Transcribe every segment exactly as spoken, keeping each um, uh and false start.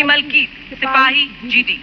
मलकीत सिपाही जीडी।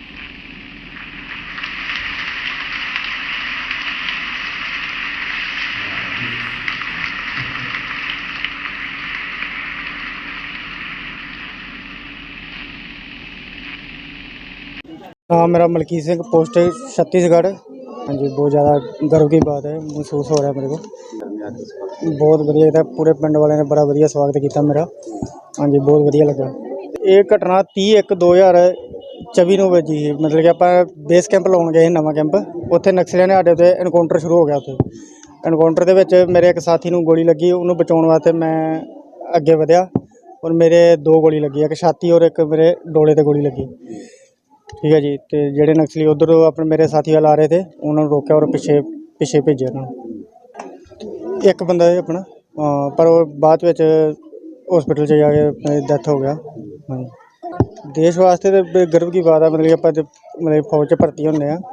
हाँ, मेरा मलकीत सिंह, पोस्ट छत्तीसगढ़। हाँ जी, बहुत ज़्यादा गर्व की बात है, महसूस हो रहा है मेरे को। बहुत बढ़िया था, पूरे पिंड वाले ने बड़ा बढ़िया स्वागत किया मेरा। हाँ जी, बहुत बढ़िया लगा। ये घटना तीह एक दो हज़ार चौबी ਨੂੰ ਵਜੀ ਸੀ। मतलब कि ਆਪਾਂ बेस कैंप ਲਾਉਣ गए नवा कैंप, ਉੱਥੇ ਨਕਸਲੀਆਂ ਨੇ ਸਾਡੇ 'ਤੇ ਐਨਕਾਊਂਟਰ ਸ਼ੁਰੂ ਹੋ ਗਿਆ। ਉੱਥੇ ਐਨਕਾਊਂਟਰ ਦੇ ਵਿੱਚ ਮੇਰੇ ਇੱਕ ਸਾਥੀ ਨੂੰ ਗੋਲੀ ਲੱਗੀ, ਉਹਨੂੰ ਬਚਾਉਣ ਵਾਸਤੇ ਮੈਂ ਅੱਗੇ ਵਧਿਆ ਔਰ ਮੇਰੇ ਦੋ ਗੋਲੀ ਲੱਗੀ, ਇੱਕ ਛਾਤੀ ਔਰ ਇੱਕ ਮੇਰੇ ਡੋਲੇ 'ਤੇ ਗੋਲੀ ਲੱਗੀ। ठीक है जी। तो ਜਿਹੜੇ ਨਕਸਲੀ ਉਧਰ ਆਪਣੇ ਮੇਰੇ ਸਾਥੀ ਵਾਲ ਆ ਰਹੇ थे, ਉਹਨਾਂ ਨੂੰ ਰੋਕਿਆ ਔਰ ਪਿੱਛੇ ਪਿੱਛੇ ਭੇਜਿਆ ਉਹਨਾਂ ਨੂੰ। ਇੱਕ ਬੰਦਾ ਹੈ ਆਪਣਾ, ਪਰ ਉਹ ਬਾਅਦ ਵਿੱਚ हॉस्पिटल 'ਚ ਜਾ ਕੇ ਡੈਥ ਹੋ ਗਿਆ। ਹਾਂਜੀ, देश वास्ते तो गर्व की बात है। मतलब कि ਆਪਾਂ मतलब फौज 'ਚ ਭਰਤੀ ਹੁੰਦੇ ਆ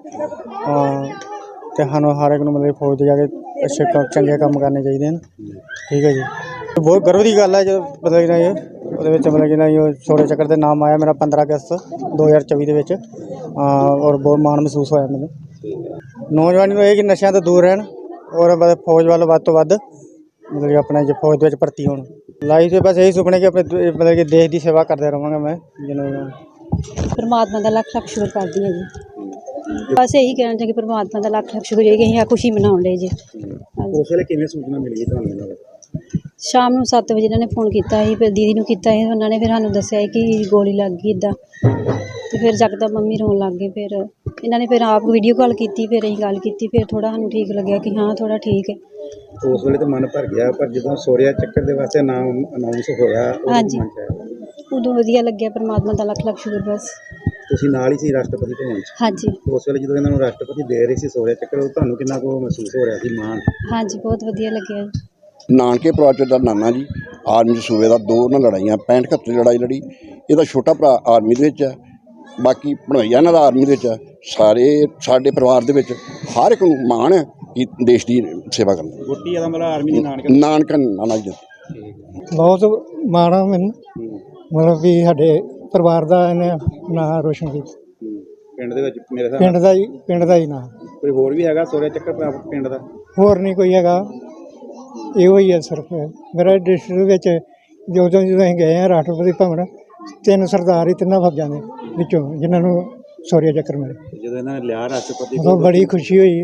ਤੇ ਸਾਨੂੰ ਹਰ ਇੱਕ ਨੂੰ मतलब फौज 'ਚ ਜਾ ਕੇ ਅੱਛੇ ਕੰਮ ਚੰਗੇ ਕੰਮ ਕਰਨੇ ਚਾਹੀਦੇ ਹਨ। ਠੀਕ ਹੈ ਜੀ, ਬਹੁਤ गर्व ਦੀ ਗੱਲ ਹੈ ਜੋ मतलब ਕਿ ਇਹ ਉਹਦੇ ਵਿੱਚ मतलब ਕਿ ਨਾ ਇਹ ਸ਼ੌर्य ਚੱਕਰ ਦੇ ਨਾਮ ਆਇਆ ਮੇਰਾ पंद्रह अगस्त दो हज़ार चौबीस ਦੇ ਵਿੱਚ। ਔਰ ਬਹੁਤ ਮਾਣ ਮਹਿਸੂਸ ਹੋਇਆ ਮੈਨੂੰ। ਨੌਜਵਾਨੀ ਨੂੰ ਇਹ ਕਿ ਨਸ਼ਿਆਂ ਤੋਂ ਦੂਰ ਰਹਿਣ ਔਰ ਫੌਜ ਵੱਲ ਵੱਧ ਤੋਂ ਵੱਧ मतलब कि ਆਪਣੇ ਜੇ ਫੌਜ ਦੇ ਵਿੱਚ ਭਰਤੀ ਹੋਣ। ਲਾਈਫ 'ਚ ਬਸ ਇਹੀ ਸੁਪਨੇ ਕਿ ਆਪਣੇ मतलब कि ਦੇਸ਼ ਦੀ ਸੇਵਾ ਕਰਦਾ ਰਹਾਂਗਾ ਮੈਂ। ਜਿਵੇਂ परमात्मा का लख लख शुक्र करती है जी। बस यही कहना चाहिए कि परमात्मा का लख लख शुक्र है कि अं खुशी मनाने लिए जी। ਉਸ ਵੇਲੇ ਕਿਵੇਂ ਸੂਚਨਾ ਮਿਲ ਗਈ ਤੁਹਾਨੂੰ? शाम ਨੂੰ सत्त बजे इन्होंने फोन किया ही, फिर दीदी ਨੂੰ ਕੀਤਾ ਸੀ, ਉਹਨਾਂ ਨੇ ਫਿਰ ਸਾਨੂੰ ਦੱਸਿਆ ਕਿ ਗੋਲੀ ਲੱਗ ਗਈ ਇੱਦਾਂ। ਤੇ ਫਿਰ ਜਕਦਮ ਮੰਮੀ ਰੋਣ ਲੱਗ ਗਏ। ਫਿਰ ਇਹਨਾਂ ਨੇ ਫਿਰ ਆਪ ਵੀਡੀਓ ਕਾਲ ਕੀਤੀ, ਫਿਰ ਅਸੀਂ ਗੱਲ ਕੀਤੀ, ਫਿਰ ਥੋੜਾ ਸਾਨੂੰ ਠੀਕ ਲੱਗਿਆ ਕਿ ਹਾਂ ਥੋੜਾ ਠੀਕ ਹੈ। ਉਸ ਵੇਲੇ ਤਾਂ ਮਨ ਭਰ ਗਿਆ, ਪਰ ਜਦੋਂ ਸ਼ੌर्य ਚੱਕਰ ਦੇ ਵਾਸਤੇ ਨਾਮ ਅਨਾਉਂਸ ਹੋਇਆ ਹਾਂਜੀ, ਉਦੋਂ ਵਧੀਆ ਲੱਗਿਆ। ਪਰਮਾਤਮਾ ਦਾ ਲੱਖ ਲੱਖ ਸ਼ੁਕਰ। ਬਸ ਤੁਸੀਂ ਨਾਲ ਹੀ ਸੀ ਰਾਸ਼ਟਰਪਤੀ ਭਵਨ 'ਚ? ਹਾਂਜੀ। ਉਸ ਵੇਲੇ ਜਦੋਂ ਇਹਨਾਂ ਨੂੰ ਰਾਸ਼ਟਰਪਤੀ ਦੇ ਰਹੇ ਸੀ ਸ਼ੌर्य ਚੱਕਰ, ਤੁਹਾਨੂੰ ਕਿੰਨਾ ਕੁ ਮਹਿਸੂਸ ਹੋ ਰਿਹਾ ਸੀ ਮਾਣ? ਹਾਂਜੀ, ਬਹੁਤ ਵਧੀਆ ਲੱਗਿਆ। ਨਾਨਕੇ ਪਰਿਵਾਰ 'ਚ ਦਾ ਨਾਨਾ ਜੀ, ਆਰਮੀ 'ਚ ਸੂਬੇ ਦਾ, ਦੋ ਉਹਨਾਂ ਲੜਾਈਆਂ ਪੈਂਹਠ ਇਕਹੱਤਰ ਲੜਾਈ ਲੜੀ। ਇਹਦਾ ਛੋਟਾ ਭਰਾ ਆਰਮੀ ਦੇ ਵਿੱਚ ਹੈ, ਬਾਕੀ ਭਣੋਈਆ ਇਹਨਾਂ ਦਾ ਆਰਮੀ ਦੇ ਵਿੱਚ ਹੈ। ਸਾਰੇ ਸਾਡੇ ਪਰਿਵਾਰ ਦੇ ਵਿੱਚ ਹਰ ਇੱਕ ਨੂੰ ਮਾਣ ਹੈ ਕਿ ਦੇਸ਼ ਦੀ ਸੇਵਾ ਕਰਨਾ। ਗੋਟੀ ਦਾ ਮਤਲਬ ਆਰਮੀ ਦੇ ਨਾਨਕਾ ਨਾਨਕਾ ਨਾਨਾ ਜੀ। ਬਹੁਤ ਮਾਣ ਆ ਮੈਨੂੰ, ਮਤਲਬ ਵੀ ਸਾਡੇ ਪਰਿਵਾਰ ਦਾ ਇਹਨੇ ਨਾਂ ਰੋਸ਼ਨ ਕੀਤਾ। ਪਿੰਡ ਦੇ ਵਿੱਚ ਮੇਰੇ ਹਿਸਾਬ ਪਿੰਡ ਦਾ ਹੀ ਪਿੰਡ ਦਾ ਹੀ ਨਾਂ। ਕੋਈ ਹੋਰ ਵੀ ਹੈਗਾ ਸ਼ੌर्य ਚੱਕਰ ਪਿੰਡ ਦਾ? ਹੋਰ ਨਹੀਂ ਕੋਈ ਹੈਗਾ, ਇਹੋ ਹੀ ਹੈ ਸਿਰਫ ਮੇਰਾ ਡਿਸਟ੍ਰਿਕਟ ਵਿੱਚ। ਜਦੋਂ ਜਦੋਂ ਅਸੀਂ ਗਏ ਹਾਂ ਰਾਸ਼ਟਰਪਤੀ ਭਵਨ, ਤਿੰਨ ਸਰਦਾਰ ਹੀ ਤਿੰਨਾਂ ਫੌਜਾਂ ਦੇ ਵਿੱਚੋਂ ਜਿਨ੍ਹਾਂ ਨੂੰ ਸ਼ੌर्य ਚੱਕਰ ਮਿਲੇ। ਜਦੋਂ ਇਹਨਾਂ ਨੇ ਲਿਆ ਰਾਸ਼ਟਰਪਤੀ, ਉਦੋਂ ਬੜੀ ਖੁਸ਼ੀ ਹੋਈ।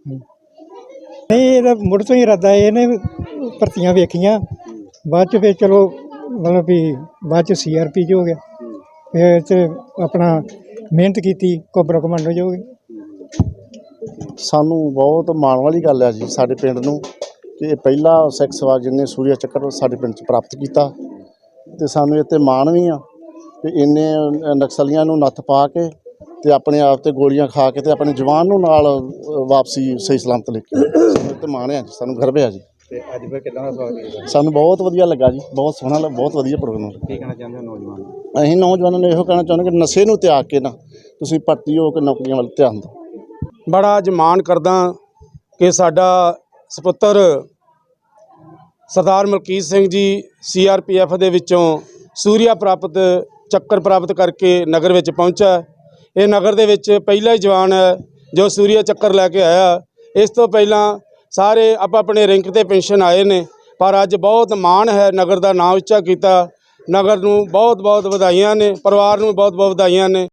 ਨਹੀਂ, ਇਹਦਾ ਮੁੱਢ ਤੋਂ ਹੀ ਇਰਾਦਾ ਇਹਨੇ ਭਰਤੀਆਂ ਵੇਖੀਆਂ, ਬਾਅਦ 'ਚ ਫਿਰ ਚਲੋ ਮਤਲਬ ਵੀ ਬਾਅਦ 'ਚ ਸੀ ਆਰ ਪੀ 'ਚ ਹੋ ਗਿਆ, ਫਿਰ 'ਚ ਆਪਣਾ ਮਿਹਨਤ ਕੀਤੀ, ਕੋਬਰਾ ਕਮਾਂਡੋ 'ਚ ਹੋ ਗਏ। ਸਾਨੂੰ ਬਹੁਤ ਮਾਣ ਵਾਲੀ ਗੱਲ ਹੈ ਜੀ ਸਾਡੇ ਪਿੰਡ ਨੂੰ ਕਿ ਇਹ ਪਹਿਲਾ ਸਿੱਖ ਸਵਾਰ ਜਿਹਨੇ ਸ਼ੌर्य ਚੱਕਰ ਸਾਡੇ ਪਿੰਡ 'ਚ ਪ੍ਰਾਪਤ ਕੀਤਾ। ਅਤੇ ਸਾਨੂੰ ਇਹ 'ਤੇ ਮਾਣ ਵੀ ਆ ਕਿ ਇੰਨੇ ਨਕਸਲੀਆਂ ਨੂੰ ਨੱਥ ਪਾ ਕੇ ਅਤੇ ਆਪਣੇ ਆਪ 'ਤੇ ਗੋਲੀਆਂ ਖਾ ਕੇ ਅਤੇ ਆਪਣੇ ਜਵਾਨ ਨੂੰ ਨਾਲ ਵਾਪਸੀ ਸਹੀ ਸਲਾਮਤ ਲੈ ਕੇ। ਸਾਨੂੰ ਇਹ 'ਤੇ ਮਾਣ ਆ ਜੀ, ਸਾਨੂੰ ਗਰਵ ਆ ਜੀ। ਅਤੇ ਅੱਜ ਫਿਰ ਕਿੱਦਾਂ ਦਾ ਸਵਾਗਤ ਕੀਤਾ? ਸਾਨੂੰ ਬਹੁਤ ਵਧੀਆ ਲੱਗਾ ਜੀ, ਬਹੁਤ ਸੋਹਣਾ, ਬਹੁਤ ਵਧੀਆ ਪ੍ਰੋਗਰਾਮ। ਕੀ ਕਹਿਣਾ ਚਾਹੁੰਦੇ ਹੋ ਨੌਜਵਾਨ? ਅਸੀਂ ਨੌਜਵਾਨਾਂ ਨੂੰ ਇਹੋ ਕਹਿਣਾ ਚਾਹੁੰਦੇ ਕਿ ਨਸ਼ੇ ਨੂੰ ਤਿਆਗ ਕੇ ਨਾ ਤੁਸੀਂ ਭਰਤੀ ਹੋ ਕੇ ਨੌਕਰੀਆਂ ਵੱਲ ਧਿਆਨ ਦਿਓ। ਬੜਾ ਅੱਜ ਮਾਣ ਕਰਦਾ ਕਿ ਸਾਡਾ ਸਪੁੱਤਰ ਸਰਦਾਰ ਮਲਕੀਤ ਸਿੰਘ ਜੀ ਸੀ ਆਰ ਪੀ ਐਫ ਦੇ ਵਿੱਚੋਂ ਸ਼ੌर्य ਪ੍ਰਾਪਤ ਚੱਕਰ ਪ੍ਰਾਪਤ ਕਰਕੇ ਨਗਰ ਵਿੱਚ ਪਹੁੰਚਾ। ਇਹ ਨਗਰ ਦੇ ਵਿੱਚ ਪਹਿਲਾ ਹੀ ਜਵਾਨ ਹੈ ਜੋ ਸ਼ੌर्य ਚੱਕਰ ਲੈ ਕੇ ਆਇਆ। ਇਸ ਤੋਂ ਪਹਿਲਾਂ ਸਾਰੇ ਆਪ ਆਪਣੇ ਰੈਂਕ 'ਤੇ ਪੈਨਸ਼ਨ ਆਏ ਨੇ, ਪਰ ਅੱਜ ਬਹੁਤ ਮਾਣ ਹੈ, ਨਗਰ ਦਾ ਨਾਂ ਉੱਚਾ ਕੀਤਾ। ਨਗਰ ਨੂੰ ਬਹੁਤ ਬਹੁਤ ਵਧਾਈਆਂ ਨੇ, ਪਰਿਵਾਰ ਨੂੰ ਬਹੁਤ ਬਹੁਤ ਵਧਾਈਆਂ ਨੇ।